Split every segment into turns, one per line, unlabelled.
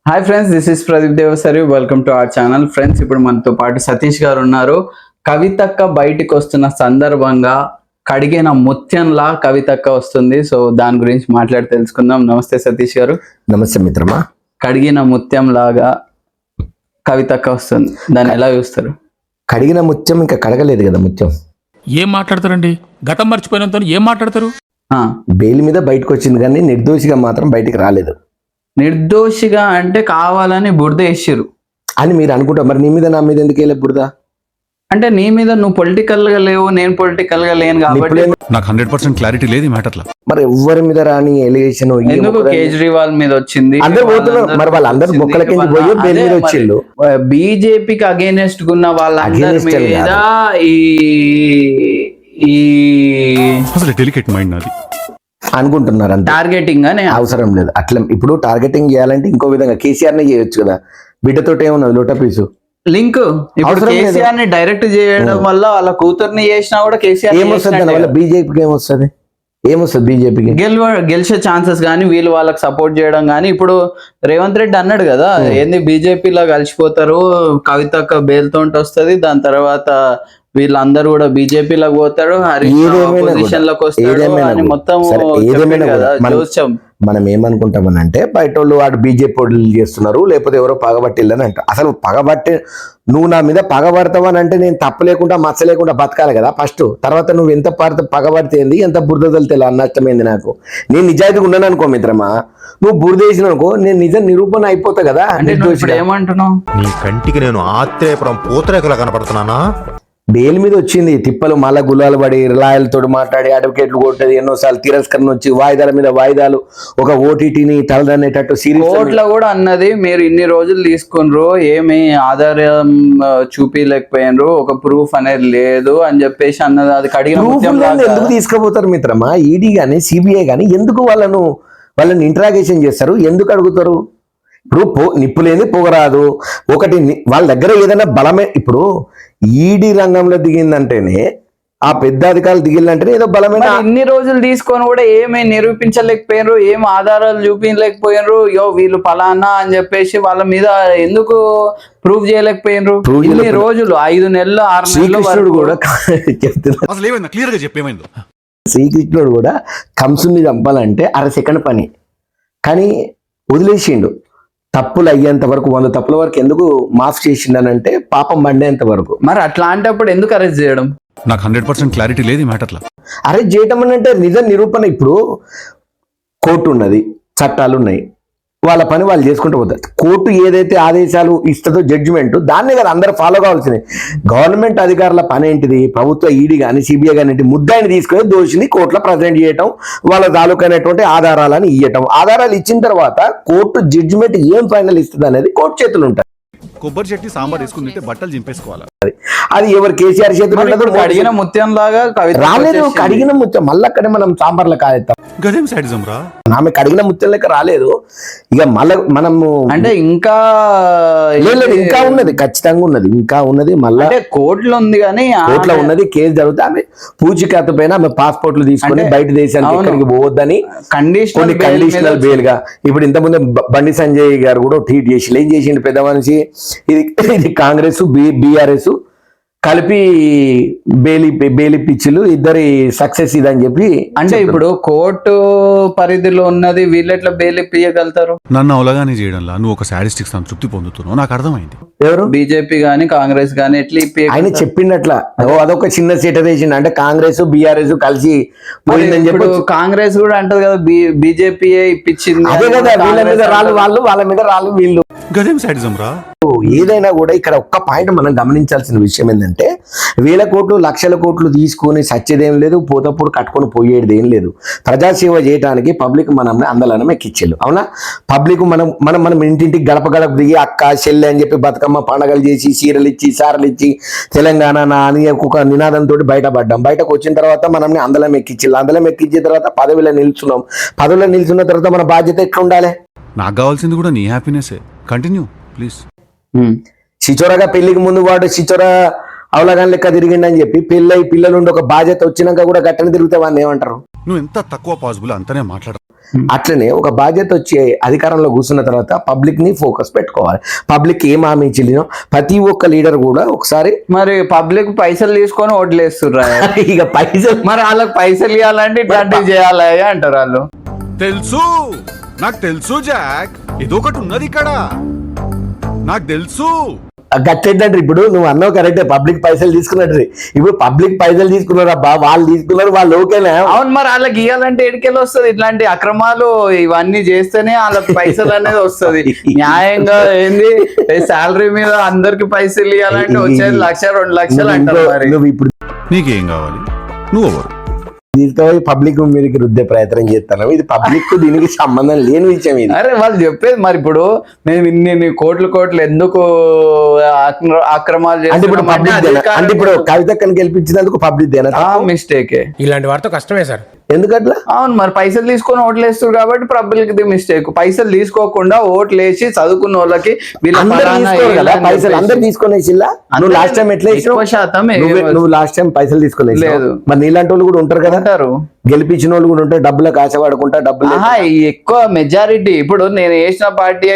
Hi friends, this is Pradeep Devasari. Welcome to our channel. Friends, ఇప్పుడు మనతో పాటు సతీష్ గారు ఉన్నారు. కవితక్క బయటికి వస్తున్న సందర్భంగా కడిగిన ముత్యంలా కవితక్క వస్తుంది. సో దాని గురించి మాట్లాడి తెలుసుకుందాం. నమస్తే సతీష్ గారు.
నమస్తే మిత్రమా.
కడిగిన ముత్యం లాగా కవితక్క వస్తుంది, దాన్ని ఎలా చూస్తారు?
కడిగిన ముత్యం ఇంకా కడగలేదు కదా. ముత్యం
ఏం మాట్లాడతారండి? గతం మర్చిపోయినంత ఏం మాట్లాడతారు?
బెయిల్ మీద బయటకు వచ్చింది కానీ నిర్దోషిగా మాత్రం బయటికి రాలేదు.
నిర్దోషిగా అంటే కావాలని బురద వేసిరు
అని మీరు అనుకుంటారు. మరి నీ మీద నా మీద ఎందుకు వెళ్ళే బురద?
అంటే నీ మీద నువ్వు పొలిటికల్ గా లేవు, నేను పొలిటికల్ గా లేను కాబట్టి
నాకు 100% క్లారిటీ లేదు ఈ మ్యాటర్లో.
మరి ఎవరి మీద రాని ఎలిగేషన్
ఎందుకు కేజ్రీవాల్ మీద వచ్చింది?
అందరు పోతున్నారు. మరి వాళ్ళందరూ బొక్కల కింద పోయి బెయిల్ మీద వచ్చిండు.
బీజేపీకి అగేనెస్ట్ ఉన్న వాళ్ళందరి మీద ఈ
అసలు డెలికేట్ మైండ్ నాది
అనుకుంటున్నారు. అంతే.
టార్గెటింగ్ అని
అవసరం లేదు. అట్లా ఇప్పుడు టార్గెటింగ్ చేయాలంటే ఇంకో విధంగా కేసీఆర్ నే చేయొచ్చు కదా. బిడ్డతో ఏమున్నది లోటా పీసు
లింక్. ఇప్పుడు కేసీఆర్ ని డైరెక్ట్ చేయడం వల్ల వాళ్ళ కూతుర్ని చేసినా కూడా కేసీఆర్
ఏమొస్తుంది? దానివల్ల బీజేపీకి ఏమొస్తుంది? బీజేపీకి
గెలిచే ఛాన్సెస్ కానీ వీళ్ళు వాళ్ళకి సపోర్ట్ చేయడం కానీ. ఇప్పుడు రేవంత్ రెడ్డి అన్నాడు కదా, ఏంది బీజేపీలో కలిసిపోతారు, కవితక్క బేల్తో వస్తుంది, దాని తర్వాత వీళ్ళందరూ కూడా బీజేపీలోకి పోతాడు, పొజిషన్ లోకి వస్తాడు అని మొత్తం
మనం ఏమనుకుంటామని అంటే బయట వాళ్ళు వాడు బీజేపీ వాళ్ళు చేస్తున్నారు, లేకపోతే ఎవరో పగబట్టిల్లని అంట. అసలు పగబట్టి నువ్వు నా మీద పగబడతావని అంటే నేను తప్పు లేకుండా మచ్చ లేకుండా బతకాలి కదా ఫస్ట్. తర్వాత నువ్వు ఎంత పగబడితేంది, ఎంత బురదలు తెలు నష్టమైంది నాకు. నేను నిజాయితీగా ఉన్నాను అనుకో మిత్రమా, నువ్వు బురద వేసిన అనుకో, నేను నిజం నిరూపణ అయిపోతా కదా.
ఏమంటున్నావు?
నీ కంటికి నేను ఆత్రేయపురం పూతరేకలా కనపడుతున్నానా?
బెయిల్ మీద వచ్చింది తిప్పలు, మళ్ళా గులాలు పడి లాయర్లతో మాట్లాడి అడ్వకేట్లు కొట్టేది, ఎన్నోసార్లు తిరస్కరణ వచ్చి వాయిదాల మీద వాయిదాలు, ఒక ఓటీటీని తలదనేటట్టు సీరియస్
కోర్టులో కూడా అన్నది, మీరు ఇన్ని రోజులు తీసుకున్నారు, ఏమి ఆధారం చూపించలేకపోయినరు, ఒక ప్రూఫ్ అనేది లేదు అని చెప్పేసి అన్నది. అది కడిగిన
ఎందుకు తీసుకుపోతారు మిత్రమా? ఈడీ గానీ సిబిఐ గానీ ఎందుకు వాళ్ళని ఇంట్రాగేషన్ చేస్తారు? ఎందుకు అడుగుతారు? ఇప్పుడు నిప్పు లేని పొగరాదు. ఒకటి వాళ్ళ దగ్గర ఏదైనా బలమే. ఇప్పుడు ఈడీ రంగంలో దిగిందంటేనే, ఆ పెద్ద అధికారులు దిగిందంటేనే ఏదో బలమైన.
ఇన్ని రోజులు తీసుకొని కూడా ఏమీ నిరూపించలేకపోయినరు, ఏం ఆధారాలు చూపించలేకపోయినరు. వీళ్ళు ఫలానా అని చెప్పేసి వాళ్ళ మీద ఎందుకు ప్రూవ్ చేయలేకపోయినరు? ఇన్ని రోజులు 5 నెలలు 6 నెలలు
కూడా చెప్తున్నా.
క్లియర్ గా చెప్పేమైందో.
శ్రీకృష్ణుడు కూడా కంసుని చంపాలంటే 1/2 సెకండ్ పని, కానీ వదిలేసిండు. తప్పులు అయ్యేంత వరకు 100 తప్పుల వరకు ఎందుకు మాఫ్ చేసిండనంటే పాపం మండేంత వరకు.
మరి అట్లాంటప్పుడు ఎందుకు అరెస్ట్ చేయడం?
నాకు 100% క్లారిటీ లేదు ఈ మ్యాటర్లో.
అరెస్ట్ చేయటం అని అంటే నిజం నిరూపణ. ఇప్పుడు కోర్టు ఉన్నది, చట్టాలు ఉన్నాయి, వాళ్ళ పని వాళ్ళు చేసుకుంటూ పోతారు. కోర్టు ఏదైతే ఆదేశాలు ఇస్తుందో జడ్జిమెంట్, దాన్నే కదా అందరూ ఫాలో కావాల్సింది. గవర్నమెంట్ అధికారుల పని ఏంటిది? ప్రభుత్వ ఈడీ కానీ సిబిఐ కానీ ముద్దాయిని తీసుకొని దోషిని కోర్టులో ప్రజెంట్ చేయటం, వాళ్ళ తాలూకైనటువంటి ఆధారాలను ఇవ్వటం. ఆధారాలు ఇచ్చిన తర్వాత కోర్టు జడ్జిమెంట్ ఏం ఫైనల్ ఇస్తుంది అనేది కోర్టు చేతులు ఉంటాయి.
కొబ్బరి చెట్టి సాంబార్ వేసుకుంటే బట్టలు చింపేసుకోవాలి.
అది ఎవరు కేసీఆర్ చేతులు
కడిగిన ముత్యం లాగా
రాలేదు. కడిగిన ముత్యం మళ్ళీ అక్కడే మనం సాంబార్లో కాలేస్తాం.
గదేం సైడిజం రా.
ఆమె కడిగిన ముత్యం లెక్క రాలేదు. ఇక మళ్ళీ మనము
అంటే ఇంకా
ఇంకా ఉన్నది, ఖచ్చితంగా ఉన్నది, ఇంకా ఉన్నది. మళ్ళీ
కోర్టులో ఉంది, కానీ
కోర్టులో ఉన్నది. కేసు జరుగుతుంది. ఆమె పూచికత్తు పైన ఆమె పాస్పోర్ట్లు తీసుకుని బయట దేశానికి ఎక్కడికి పోవద్దని కొన్ని కండిషనల్ బెయిల్ గా. ఇప్పుడు ఇంతకుముందు బండి సంజయ్ గారు కూడా ట్వీట్ చేసి ఏం చేసిండు పెద్ద మనిషి, ఇది కాంగ్రెస్ బీఆర్ఎస్ కలిపి బేలి పిచ్చిలు ఇద్దరి సక్సెస్ ఇదని చెప్పి.
అంటే ఇప్పుడు కోర్టు పరిధిలో ఉన్నది, వీళ్ళు ఎట్లా బెయిల్ ఇయ్యగలుగుతారు?
నన్ను అవలగానే చేయడంలా నువ్వు ఒక సాడిస్టిక్ సంతృప్తి పొందుతున్నావు, నాకు అర్థమైంది.
ఎవరు?
బీజేపీ గానీ కాంగ్రెస్ గానీ ఎట్లా
ఆయన చెప్పిండట్లా. అదొక చిన్న సీటర్ వేసిండు. అంటే కాంగ్రెస్ బీఆర్ఎస్ కలిసి పోయిందని చెప్పి
కాంగ్రెస్ కూడా అంటది కదా, బీజేపీ ఇప్పించింది.
అదే కదా, వీళ్ళ మీద రాళ్ళు వాళ్ళు, వాళ్ళ మీద రాళ్ళు వీళ్ళు.
గదేం సైడిజం రా.
ఏదైనా కూడా ఇక్కడ ఒక్క పాయింట్ మనం గమనించాల్సిన విషయం ఏంటంటే, 1000 కోట్లు 1,00,000 కోట్లు తీసుకొని సచ్చేదేం లేదు, పోతప్పుడు కట్టుకొని పోయేది ఏం లేదు. ప్రజాసేవ చేయడానికి పబ్లిక్ మనల్ని అందలనం ఎక్కించారు. అవునా? పబ్లిక్ మనం ఇంటింటికి గడప గడప దిగి అక్క చెల్లె అని చెప్పి బతుకమ్మ పండగలు చేసి చీరలు ఇచ్చి సారలు ఇచ్చి తెలంగాణ అని ఒక నినాదంతో బయటపడ్డాం. బయటకు వచ్చిన తర్వాత మనల్ని అందలం ఎక్కించారు. అందలం ఎక్కించిన తర్వాత పదవిలో నిల్చున్నాం. పదవిలో నిల్చున్న తర్వాత మన బాధ్యత ఎట్లా ఉండాలి?
నాకు కావాల్సింది కూడా నీ హ్యాపీనెస్. Continue please.
చిచోరగా పెళ్లికి ముందు వాడు చిచోర అవలగాని లెక్క తిరిగిండని చెప్పి పెళ్ళై పిల్లలుండి ఒక బాధ్యత వచ్చినాక కూడా గట్టని తిరిగితే వాడిని ఏమంటారు?
నువ్వు ఎంత తక్కువ పాసిబుల్ అంతనే మాట్లాడ.
అట్లనే ఒక బాధ్యత వచ్చి అధికారంలో కూర్చున్న తర్వాత పబ్లిక్ ని ఫోకస్ పెట్టుకోవాలి. పబ్లిక్ ఏం హామీ ఇచ్చినో ప్రతి ఒక్క లీడర్ కూడా ఒకసారి
మరి పబ్లిక్ పైసలు తీసుకొని ఓట్లు వేస్తుర్రా
ఇక పైసలు
మరి వాళ్ళకి పైసలు ఇవ్వాలంటే ఇట్లాంటివి చేయాలి అంటారు వాళ్ళు.
తెలుసు, నాకు తెలుసు జాక్, ఇదొకటి ఉన్నది ఇక్కడ, నాకు తెలుసు.
గట్టేంటంటే ఇప్పుడు నువ్వు అన్నావు కరెక్టే, పబ్లిక్ పైసలు తీసుకున్నట్టు. ఇప్పుడు పబ్లిక్ పైసలు తీసుకున్నారు అబ్బా, వాళ్ళు తీసుకున్నారు, వాళ్ళు ఓకేనా?
అవును, మరి వాళ్ళకి ఇవ్వాలంటే ఎడికెళ్ళి వస్తుంది? ఇట్లాంటి అక్రమాలు ఇవన్నీ చేస్తేనే వాళ్ళకి పైసలు అనేది వస్తుంది. న్యాయంగా ఏంది శాలరీ మీద అందరికి పైసలు ఇవ్వాలంటే వచ్చేది 1,00,000 2 లక్షలు అంటారు. మరి
నువ్వు ఇప్పుడు
నీకేం కావాలి, నువ్వు ఎవరు?
దీంతో పబ్లిక్ మీదకి రుద్దే ప్రయత్నం చేస్తాను. ఇది పబ్లిక్ దీనికి సంబంధం లేని విషయం ఇది.
అరే వాళ్ళు చెప్పేది మరి ఇప్పుడు మేము ఇన్ని కోట్లు ఎందుకు అక్రమాలు
అంటే ఇప్పుడు పబ్లిక్ అంటే ఇప్పుడు కవితక్కని గెలిపించినందుకు పబ్లిక్ దేనా
మిస్టేకే.
ఇలాంటి వారితో కష్టమే సార్.
ఎందుకట్లా?
అవును, మరి పైసలు తీసుకొని ఓట్లు వేస్తారు కాబట్టి పబ్లిక్ ది మిస్టేక్. పైసలు తీసుకోకుండా ఓట్లు వేసి చదువుకున్న వాళ్ళకి
పైసలు అందరు తీసుకునేసిల్లా. నువ్వు లాస్ట్ టైం ఎట్లా
శాతం
నువ్వు లాస్ట్ టైం పైసలు తీసుకునే
లేదు.
మరి నీలాంటి వాళ్ళు కూడా ఉంటారు కదా,
అంటారు
గెలిపించిన వాళ్ళు కూడా ఉంటారు, డబ్బులకు ఆశపడుకుంటా డబ్బులు.
ఎక్కువ మెజారిటీ ఇప్పుడు నేను వేసిన పార్టీ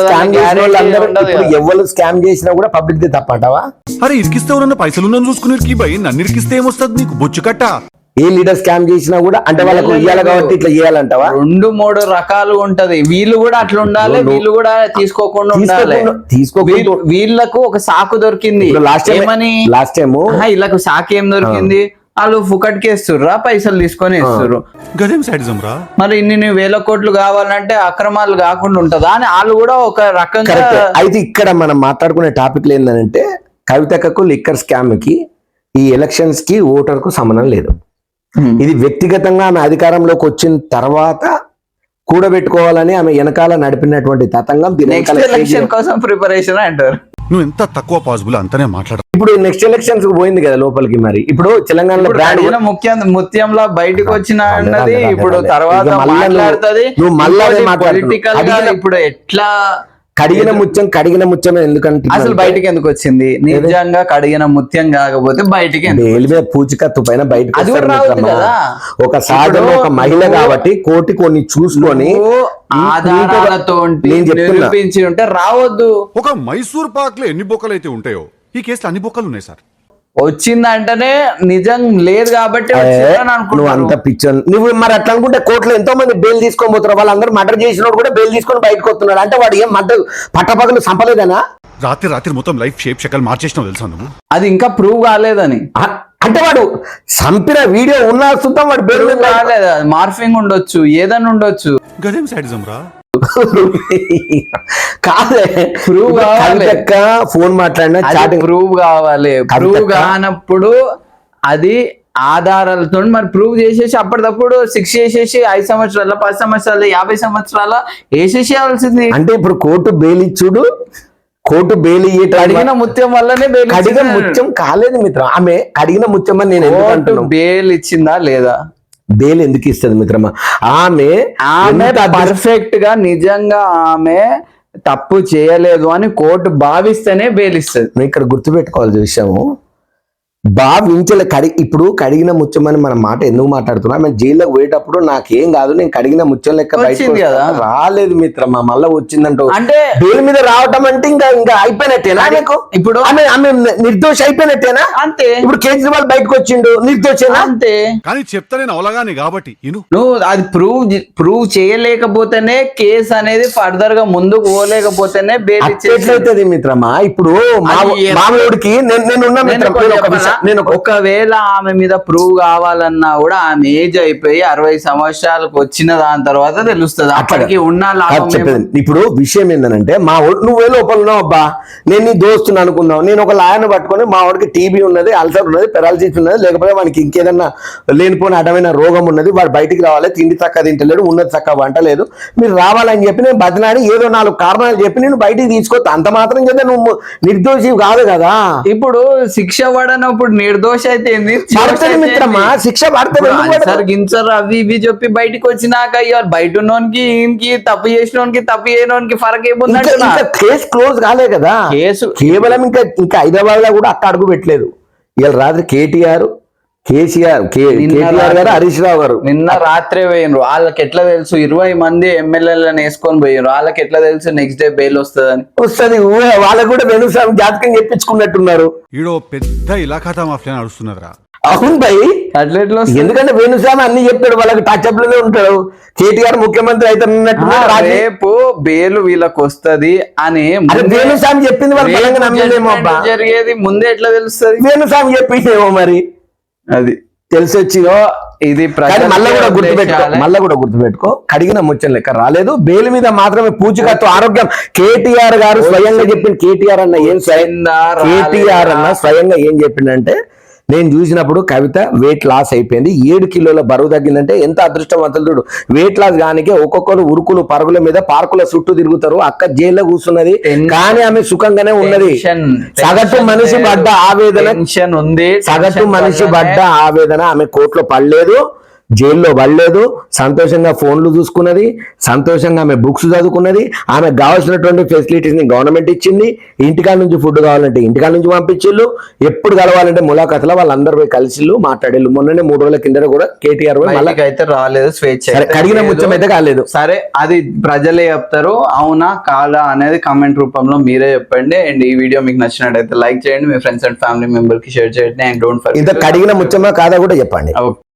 ఎవరు స్కామ్ చేసినా కూడా పబ్లిక్ ది తప్పంటావా?
అరే ఇరికిస్తే ఎవరన్నా పైసలు ఉందని చూసుకుని భయ్, నన్ను ఇరికిస్తే ఏమొస్తుంది నీకు బొచ్చు కట్ట?
ఏ లీడర్ స్కామ్ చేసినా కూడా అంటే వాళ్ళకు ఇయ్యాలి కాబట్టి ఇట్లా చేయాలంటావా?
2-3 రకాలు ఉంటది. వీళ్ళు కూడా అట్లా ఉండాలి, వీళ్ళు కూడా తీసుకోకుండా ఉండాలి. వీళ్ళకు ఒక సాకు దొరికింది.
లాస్ట్ టైం
వీళ్ళకు సాకు ఏం దొరికింది? వాళ్ళు ఫుకట్కి వేస్తుర్రా, పైసలు తీసుకొని వేస్తుర్రు.
గదేం సైడిజం రా?
మరి ఇన్ని వేల కోట్లు కావాలంటే అక్రమాలు కాకుండా ఉంటదా అని వాళ్ళు కూడా ఒక రకంగా.
అయితే ఇక్కడ మనం మాట్లాడుకునే టాపిక్ ఏంటంటే కవితకు లిక్కర్ స్కామ్ కి ఈ ఎలక్షన్స్ కి ఓటర్ కు సంబంధం లేదు. ఇది వ్యక్తిగతంగా ఆమె అధికారంలోకి వచ్చిన తర్వాత కూడబెట్టుకోవాలని ఆమె వెనకాల నడిపినటువంటి తతంగం.
ఎలక్షన్ కోసం ప్రిపరేషన్ అంటారు.
నువ్వు ఎంత తక్కువ పాసిబుల్ అంతనే మాట్లాడ.
ఇప్పుడు నెక్స్ట్ ఎలక్షన్స్ కు పోయింది కదా లోపలికి. మరి ఇప్పుడు తెలంగాణలో
ముత్యంలా బయటకు వచ్చిన అన్నది ఇప్పుడు తర్వాత మాట్లాడుతుంది.
నువ్వు మళ్ళీ
పొలిటికల్ గా ఇప్పుడు ఎట్లా
కడిగిన ముత్యం ఎందుకంటే
అసలు బయటికి ఎందుకు వచ్చింది? నిజంగా కడిగిన ముత్యం కాకపోతే బయటికి
పూచికత్తు పైన బయటకు
అది కూడా రావద్దు కదా.
ఒక సాధన ఒక మహిళ కాబట్టి కోటి కొన్ని చూసుకొని
ఆధారాలతో నిరూపించి ఉంటే రావద్దు.
ఒక మైసూర్ పాక్ లో ఎన్ని బొక్కలు అయితే ఉంటాయో ఈ కేసులో అన్ని బొక్కలు ఉన్నాయి సార్.
వచ్చిందంటేనే నిజం లేదు కాబట్టి
నువ్వు అంత పిచ్చర్ నువ్వు. మరి అట్లా అనుకుంటే కోర్టులో ఎంతో మంది బెయిల్ తీసుకొని పోతున్నారు. వాళ్ళందరూ మర్డర్ చేసిన కూడా బెయిల్ తీసుకొని బయటకు వస్తున్నాడు. అంటే వాడు ఏం మర్డర్ పట్టపగలు సంపలేదనా?
రాత్రి మొత్తం లైఫ్ షేప్ షకల్ మార్చేసినావు తెలుసా నువ్వు?
అది ఇంకా ప్రూవ్ కాలేదని.
అంటే వాడు సంపిన వీడియో ఉన్న సుతం వాడు బెయిల్
కాలేదు. మార్ఫింగ్ ఉండొచ్చు, ఏదైనా ఉండొచ్చు.
గదేం సైడిజం రా?
కాదే
ప్రూవ్ కావాలి.
ఫోన్ మాట్లాడినా
ప్రూవ్ కావాలి. ప్రూవ్ కానప్పుడు అది ఆధారాలతో మరి ప్రూవ్ చేసేసి అప్పటికప్పుడు శిక్ష చేసేసి 5 సంవత్సరాల 10 సంవత్సరాల 50 సంవత్సరాల వేసేసేయాల్సింది.
అంటే ఇప్పుడు కోర్టు బెయిల్ ఇచ్చుడు, కోర్టు బెయిల్
కడిగిన ముత్యం వల్లనే బెయిల్.
కడిగిన ముత్యం కాలేదు మిత్రం. ఆమె కడిగిన ముత్యం అని నేను
బెయిల్ ఇచ్చిందా లేదా?
బెయిల్ ఎందుకు ఇస్తుంది మిత్రమా? ఆమె
పర్ఫెక్ట్ గా నిజంగా ఆమె తప్పు చేయలేదు అని కోర్టు భావిస్తేనే బెయిల్ ఇస్తుంది.
నువ్వు ఇక్కడ గుర్తుపెట్టుకోవాల్సిన విషయము ఇప్పుడు కడిగిన ముత్యం అని మనం మాట ఎందుకు మాట్లాడుతున్నా? ఆమె జైల్లోకి పోయేటప్పుడు నాకేం కాదు, నేను కడిగిన ముత్యం లెక్క బయటకు రాలేదు మిత్రమా. మళ్ళా వచ్చిందంటూ
అంటే
బెయిల్ మీద రావటం అంటే ఇంకా అయిపోయినట్టేనా? ఇప్పుడు ఆమె నిర్దోషి అయిపోయినట్టేనా? అంతే. ఇప్పుడు కేజ్రీవాల్ బయటకు వచ్చిండు, నిర్దోషేనా? అంతే.
కానీ చెప్తా నేను అవలగానే కాబట్టి
నువ్వు అది ప్రూవ్ చేయలేకపోతేనే కేసు అనేది ఫర్దర్ గా ముందుకు పోలేకపోతేనే బెయిల్
ఎట్లయితుంది మిత్రమా? ఇప్పుడు మామూడికి నేనున్న మిత్రం,
ఒకవేళ ఆమె మీద ప్రూవ్ కావాలన్నా కూడా ఆమె ఏజ్ అయిపోయి 60 సంవత్సరాలకు వచ్చిన దాని తర్వాత తెలుస్తుంది. అప్పటికి ఉన్న
ఇప్పుడు విషయం ఏంటంటే నువ్వే లోపల ఉన్నావు అబ్బా, నేను నీ దోస్తుని అనుకున్నావు. నేను ఒక లాయర్ని పట్టుకొని మా వాడికి టీబీ ఉన్నది, అల్సర్ ఉన్నది, పెరాలసిస్ ఉన్నది, లేకపోతే వానికి ఇంకేదన్నా లేనిపోయిన అడమైన రోగం ఉన్నది, వాడు బయటికి రావాలి, తిండి చక్కగా తింటలేడు, ఉన్నది చక్కగా వంటలేదు, మీరు రావాలని చెప్పి నేను బతిలాడి ఏదో 4 కారణాలు చెప్పి నేను బయటికి తీసుకోవచ్చు. అంత మాత్రం చేస్తే నువ్వు నిర్దోషి కాదు కదా.
ఇప్పుడు శిక్ష పడనప్పుడు నిర్దోష అయితే
మిత్రమా శిక్ష పడుతుంది.
గించరు అవి ఇవి చెప్పి బయటకు వచ్చినాక బయట ఉన్నోనికి ఈయనకి తప్పు చేసినోనికి తప్పు చేయడానికి ఫరక్ ఏముందంటే
కేసు క్లోజ్ కాలే కదా. కేసు కేవలం ఇంకా హైదరాబాద్ లో కూడా అక్క అడుగు పెట్టలేదు. ఇవాళ రాత్రి కేటీఆర్ కేటీఆర్ గారు హరీష్ రావు గారు
నిన్న రాత్రే పోయినరు. వాళ్ళకి ఎట్లా తెలుసు 20 మంది ఎమ్మెల్యేలను వేసుకొని పోయినరు? వాళ్ళకి ఎట్లా తెలుసు నెక్స్ట్ డే బెయిల్ వస్తుందని?
వస్తుంది. వాళ్ళకు కూడా వెనుసామి జాతకం చెప్పించుకున్నట్టున్నారు.
ఈడో పెద్ద ఇలాఖాతా మాఫియా నడుస్తున్నదిరా.
అవును భయ్,
అట్లా ఎట్లా వస్తుంది?
ఎందుకంటే వేణుస్వామి అన్ని చెప్పాడు, వాళ్ళకి టచ్అప్ లోనే ఉంటాడు. కేటీఆర్ ముఖ్యమంత్రి అయితే
రేపు బెయిల్ వీళ్ళకి వస్తది అని
వేణుస్వామి చెప్పింది వాళ్ళు బలంగా నమ్మలేమో అబ్బా.
జరిగేది ముందే ఎట్లా తెలుస్తుంది?
వేణుస్వామి చెప్పిందేమో మరి
అది
తెలిసొచ్చి.
ఇది
మళ్ళా కూడా గుర్తుపెట్టుకో, కడిగిన ముచ్చం లెక్క రాలేదు. బెయిల్ మీద మాత్రమే పూచికత్తు ఆరోగ్యం. కేటీఆర్ గారు స్వయంగా చెప్పింది. కేటీఆర్ అన్న స్వయంగా ఏం చెప్పిండంటే, నేను చూసినప్పుడు కవిత వెయిట్ లాస్ అయిపోయింది, 7 కిలోల బరువు తగ్గిందంటే ఎంత అదృష్టవంతులు చూడు. వెయిట్ లాస్ గానికే ఒక్కొక్కరు ఉరుకులు పరుగుల మీద పార్కుల చుట్టూ తిరుగుతారు. అక్క జైల్లో కూర్చున్నది కానీ ఆమె సుఖంగానే ఉన్నది. సగటు మనిషి పడ్డ ఆవేదన ఆమె కోర్టులో పడలేదు, జైల్లో పడలేదు. సంతోషంగా ఫోన్లు చూసుకున్నది, సంతోషంగా ఆమె బుక్స్ చదువుకున్నది. ఆమెకు కావాల్సినటువంటి ఫెసిలిటీస్ ని గవర్నమెంట్ ఇచ్చింది. ఇంటికాడ నుంచి ఫుడ్ కావాలంటే ఇంటికాడ నుంచి పంపించిళ్ళు, ఎప్పుడు కలవాలంటే ములాఖాతులో వాళ్ళందరూ పోయి కలిసిళ్ళు, మాట్లాడేళ్ళు. మొన్ననే 3 రోజుల కింద కూడా కేటీఆర్
అయితే రాలేదు, స్వేచ్ఛ
కడిగిన ముచ్చం అయితే కాలేదు.
సరే, అది ప్రజలే చెప్తారు, అవునా కాదా అనేది కామెంట్ రూపంలో మీరే చెప్పండి. అండ్ ఈ వీడియో మీకు నచ్చినట్టయితే లైక్ చేయండి, మీ ఫ్రెండ్స్ అండ్ ఫ్యామిలీ మెంబర్ కి షేర్ చేయండి. అండ్ డోంట్ ఫర్గెట్
ఇంత కడిగిన ముచ్చమా కాదా కూడా చెప్పండి.